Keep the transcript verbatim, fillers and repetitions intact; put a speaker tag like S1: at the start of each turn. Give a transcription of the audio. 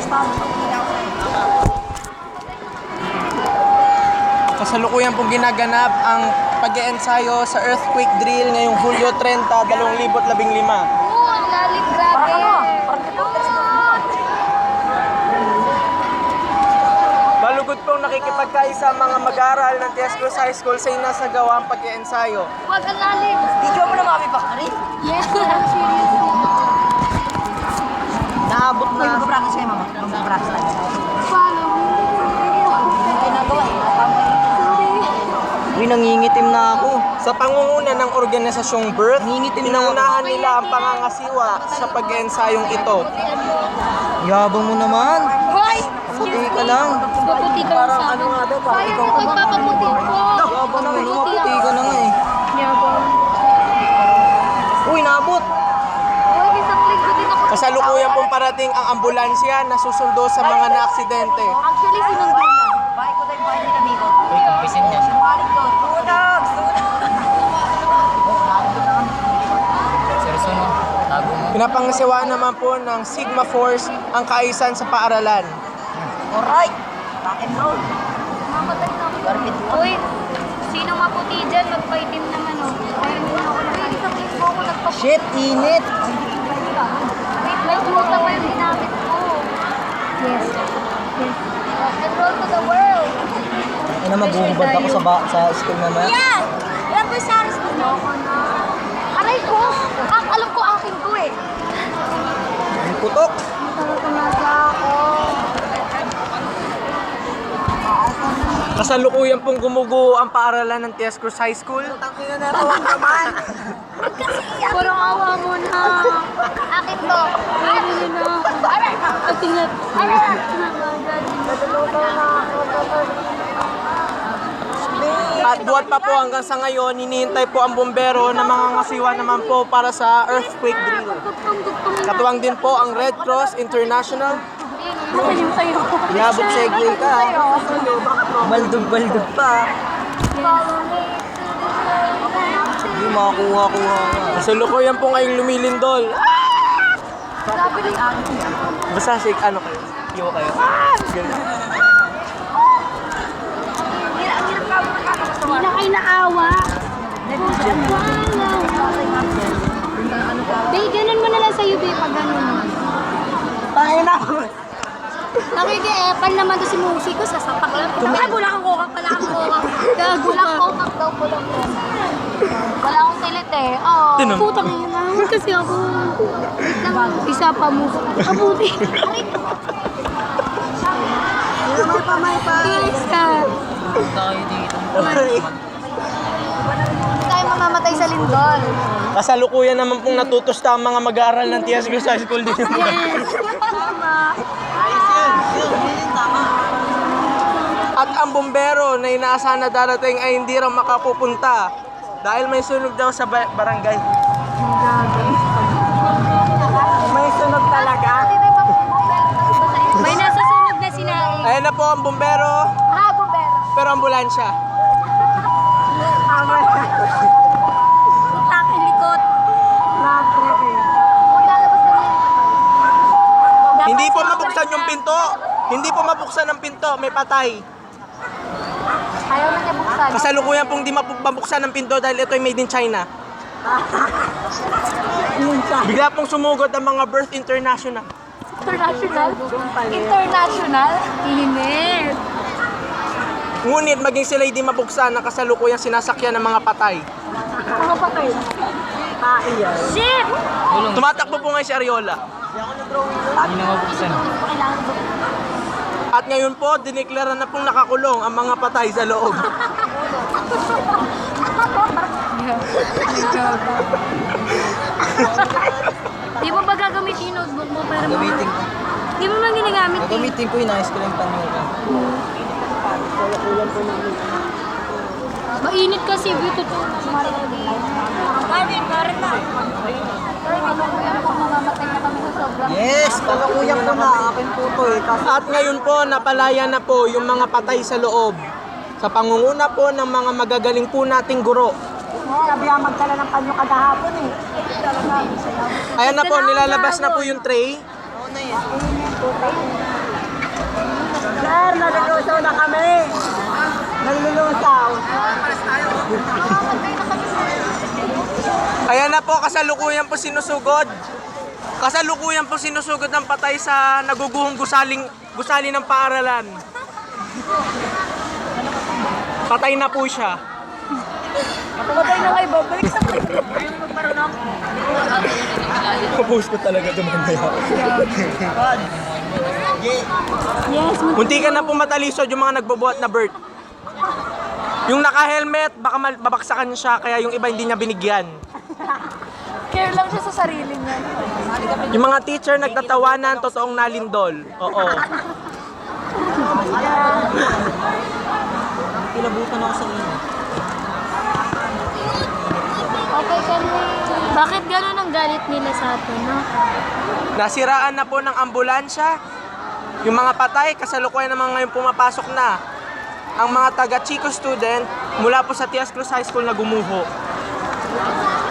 S1: Kasalukuyan pong ginaganap ang pag-e-ensayo sa earthquake drill ngayong Hulyo trenta, dalawang libo labing lima.
S2: Oo, ang lalim, grabe.
S1: Malugod pong nakikipagkaisa ang mga mag-aaral ng T S Cruz High School sa inasagawa ang pag-e-ensayo.
S2: Huwag ang lalim.
S3: Video mo na mami Bakari.
S2: Yes, I'm serious.
S3: Naabot na. Uy, mag-practice kayo mama. Mag-practice tayo.
S2: Follow me.
S3: Ginagawa eh. Uy, nangingitim na ako.
S1: Sa pangunguna ng organisasyong Birth,
S3: Nangingitim na
S1: pinangunahan nila ang pangangasiwa sa pag-eensayong ito.
S3: Yabang mo naman.
S2: Hoy!
S3: Puti ka lang.
S2: Puputi ka lang sa akin. Sayang, magpapaputi ko.
S3: Yabang mo, lumaputi ka na nga eh.
S2: Yabang.
S3: Uy, naabot.
S2: Hoy, isang linggo din ako.
S1: Kasalukuyan pong parating ang ambulansya na susundo sa mga naaksidente.
S2: Actually, sinundo na.
S3: Bahay ko tayo, bahay nila Biko. Uy, kumpisin niya. Sinungaling ko. Sunog! Seryoso no? Tago mo.
S1: Pinapangasiwaan naman po ng Sigma Force ang kaisan sa paaralan.
S3: Alright. Rock and roll.
S2: Mamatay na ako.
S3: Garbit mo.
S2: Uy, sino maputi dyan? Magpaitim naman, oh. Ayun mo ako na. Uy, isang linggo ako nagpaputi.
S3: Shit, init.
S2: Wait, may tumuta pa yung ginamit ko. Yes. Yes. Rock and roll to the world.
S3: Ano, magbuhubad ako sa, ba- sa school mamaya?
S2: Yeah! Ilan po sa aris ko na? Aray ko! Ah, alam ko akin ko eh.
S3: Ang putok.
S2: Talaga ako.
S1: Kasalukuyan pong gumuguho ang paaralan ng T S Cruz High School.
S3: Tangina na rawang naman.
S2: Puro awa mo na. Akin to. Akin yun na. Aray! Atingat. Aray! Natulugaw na ako.
S1: At buhat pa po hanggang sa ngayon, hinihintay po ang bombero na mga ngasiwa naman po para sa earthquake drill. Katuwang din po ang Red Cross International.
S2: Asan yung sayo?
S3: Yabot segue ka. Baldog-baldog pa. Hindi makakuha-kuha nga.
S1: Kasalukuyan po ngayong lumilindol.
S2: Sabi rin.
S1: Basta sig ano kayo? Iwa kayo. Ganun.
S2: Hindi na kayo naawa. Bay, ganun mo na lang sa'yo, Bay, pag ganun mo.
S3: Tayo na.
S2: Nakiki-epan naman to si Musi ko, sasapak lang. Ay, bulang ang kokak, wala kang kokak. Bulang kokak daw, bulang kokak. Wala akong tilit eh. Oh.
S1: Tinom.
S2: Putang ina, kasi ako. Wait lang, isa pa mo. Kabuti. Aray.
S3: May pa, may pa.
S2: Isa.
S3: Tayo dito.
S2: Hindi tayo mamamatay sa lindol.
S1: Kasalukuyan naman pong natutusta ang mga mag-aaral ng T S Cruz High School din.
S2: Yes. Tama.
S1: At ang bombero na inaasahan na darating ay hindi raw makapupunta dahil may sunog daw sa ba- barangay.
S3: May sunog talaga.
S2: May nasa sunog na sinaing.
S1: Ayan na po ang bombero,
S2: Ah, bombero.
S1: pero ambulansya.
S3: Tama na.
S2: Aking likod.
S3: Nag-trip eh.
S2: Huwag lalabas na rin.
S1: Hindi po mabuksan yung pinto. Hindi po mabuksan ang pinto, may patay.
S2: Ayaw na niya buksan.
S1: Kasalukuyan pong di mapu- mabuksan ang pinto dahil ito ay made in China. Bigla pong sumugod ang mga Birth International.
S2: International? International? Init.
S1: Ngunit maging sila hindi mabuksan ang kasalukuyang sinasakyan ng mga patay.
S2: Mga patay. Shit!
S1: Tumatakbo po ngayon si Ariola. At ngayon po, dineklara na pong nakakulong ang mga patay sa loob.
S2: Di mo ba gagamitin yung notebook mo para
S3: Gamitin ko.
S2: Di mo man ginagamit eh.
S3: Gagamitin ko yung nice ko lang panyo.
S2: Mainit kasi, buto to. Karin, karin na. Mamamatay na kami sa sobrang.
S3: Yes, kalukuyan ko na. Akin po to eh. Kasi
S1: At ngayon po, napalaya na po yung mga patay sa loob. Sa pangunguna po ng mga magagaling po nating guro.
S3: sabi ang magdala ng panyo kadahapon eh.
S1: Ayan na po, nilalabas na po yung tray.
S3: Oo na yan. Sir, nalulusaw na kami. Nalulusaw.
S1: Ayan na po, kasalukuyan po sinusugod. Kasalukuyan po sinusugod ng patay sa naguguhong gusaling, gusali ng paaralan. Patay na po siya.
S3: Patay na kayo, babalik sa kayo.
S1: Kapos ko talaga dumamaya.
S2: Yes,
S1: Munti ka na po matalisod yung mga nagbobuhat na bird. Yung naka-helmet, baka mal- babaksakan siya, kaya yung iba hindi niya binigyan.
S2: care lang siya sa sarili niya.
S1: Yung mga teacher nagtatawanan, totoong nalindol. Oo.
S3: Kilabutan ako sa inyo.
S2: Okay kami. Bakit gano'n ang galit nila sa atin, no?
S1: Nasiraan na po ng ambulansya. Yung mga patay, kasalukuyan naman ngayon pumapasok na. Ang mga taga-Chico student mula po sa Tias Cruz High School na gumuho.